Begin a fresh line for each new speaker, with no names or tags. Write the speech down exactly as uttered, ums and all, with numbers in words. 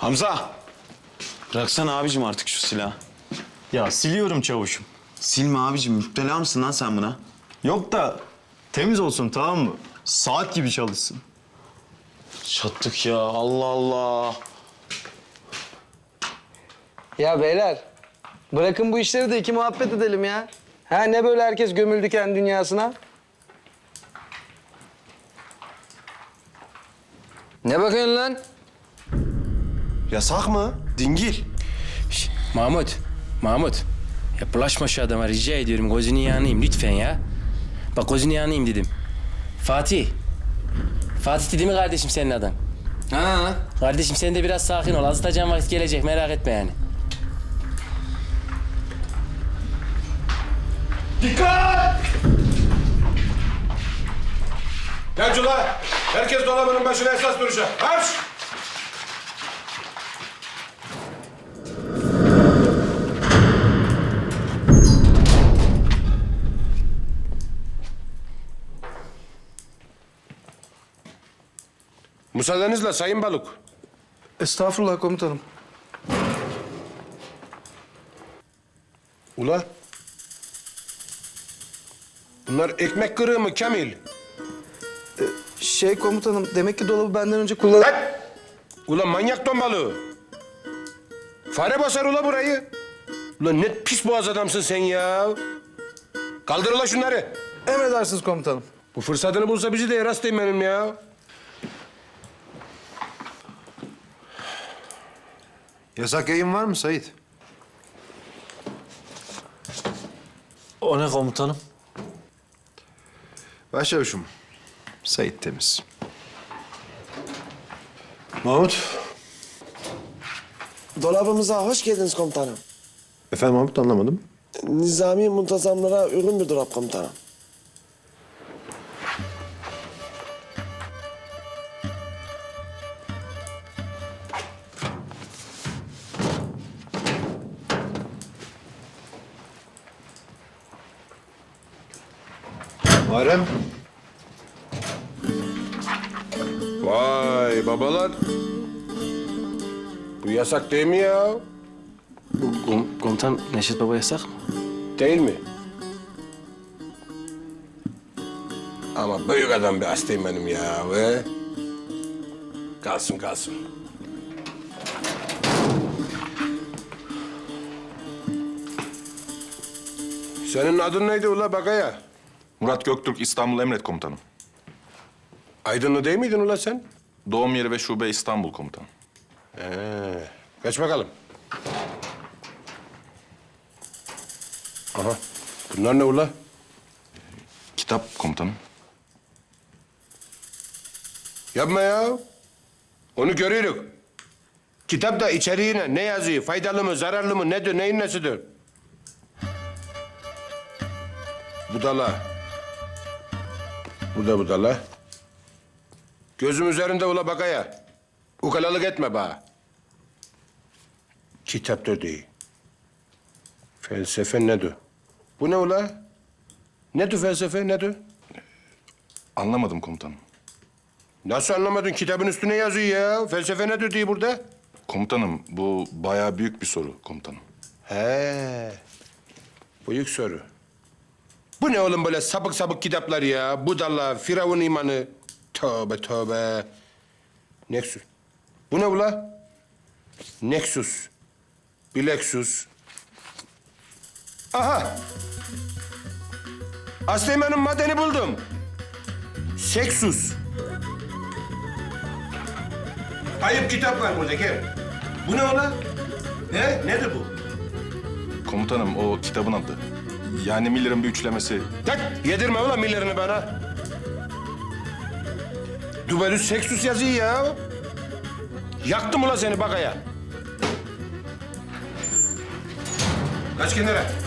Hamza! Bıraksana abicim artık şu silahı.
Ya siliyorum çavuşum.
Silme abicim. Müptela mısın lan sen buna?
Yok da temiz olsun, tamam mı? Saat gibi çalışsın.
Çattık ya. Allah Allah.
Ya beyler, bırakın bu işleri de iki muhabbet edelim ya. Ha ne böyle herkes gömüldü kendi dünyasına? Ne bakıyorsun lan?
Yasak mı? Dingil.
Şş, Mahmut, Mahmut. Ya bulaşma şu adama rica ediyorum. Gözünü yanayım lütfen ya. Bak gözünü yanayım dedim. Fatih. Fatih dedi mi kardeşim senin adın?
Ha.
Kardeşim sen de biraz sakin ol. Azıtacağın vakit gelecek merak etme yani.
Dikkat! Gençler, herkes dolabının başına esas duracak. Marş! Müsaadenizle Sayın Balık.
Estağfurullah komutanım.
Ula. Bunlar ekmek kırığı mı Kamil?
Şey komutanım, demek ki dolabı benden önce kullan...
Lan! Ula manyak ton balığı. Fare basar ula burayı. Ula ne pis boğaz adamsın sen ya. Kaldır ula şunları.
Emredersiniz komutanım.
Bu fırsatını bulsa bizi de yarastayım benim ya.
Yasak yayın var mı Sait?
O ne komutanım?
Başçavuşum, Sait temiz. Mahmut.
Dolabımıza hoş geldiniz komutanım.
Efendim Mahmut, anlamadım.
Nizami muntazamlara uygun bir dolap komutanım.
Muharrem.
Vay babalar. Bu yasak değil mi ya?
Kom komutan Neşet Baba yasak mı?
Değil mi? Ama büyük adam bir hastayım benim ya ve... Kalsın kalsın. Senin adın neydi ula Bagaya?
Murat Göktürk, İstanbul Emret Komutanım.
Aydınlı değil miydin ula sen?
Doğum yeri ve şube İstanbul Komutanım.
Ee, geç bakalım. Aha, bunlar ne ula?
Kitap Komutanım.
Yapma ya. Onu görüyoruz. Kitapta içeriğine ne yazıyor? Faydalı mı, zararlı mı, nedir, neyin nesidir? Budala. Bu da budala. Gözüm üzerinde ula bakaya. Ukalalık etme bana. Kitaptır değil. Felsefe nedir? Bu ne ula? Nedir felsefe, nedir?
Anlamadım komutanım.
Nasıl anlamadın? Kitabın üstüne yazıyor ya. Felsefe nedir diye burada.
Komutanım, bu bayağı büyük bir soru komutanım.
He. Büyük soru. Bu ne oğlum böyle sapık sapık kitaplar ya? Budala, Firavun imanı. Tövbe tövbe. Nexus. Bu ne ula? Nexus. Bilexus. Aha. Asleyma'nın madeni buldum. Seksus. Ayıp kitap var burada gel. Bu ne ula? He? Nedir bu?
Komutanım, o kitabın adı. Yani Miller'ın bir üçlemesi.
Tak, yedirme ulan millerini bana. Dubelus Sextus yazıyor ya. Yaktım ulan seni bakaya. Kaç kenara.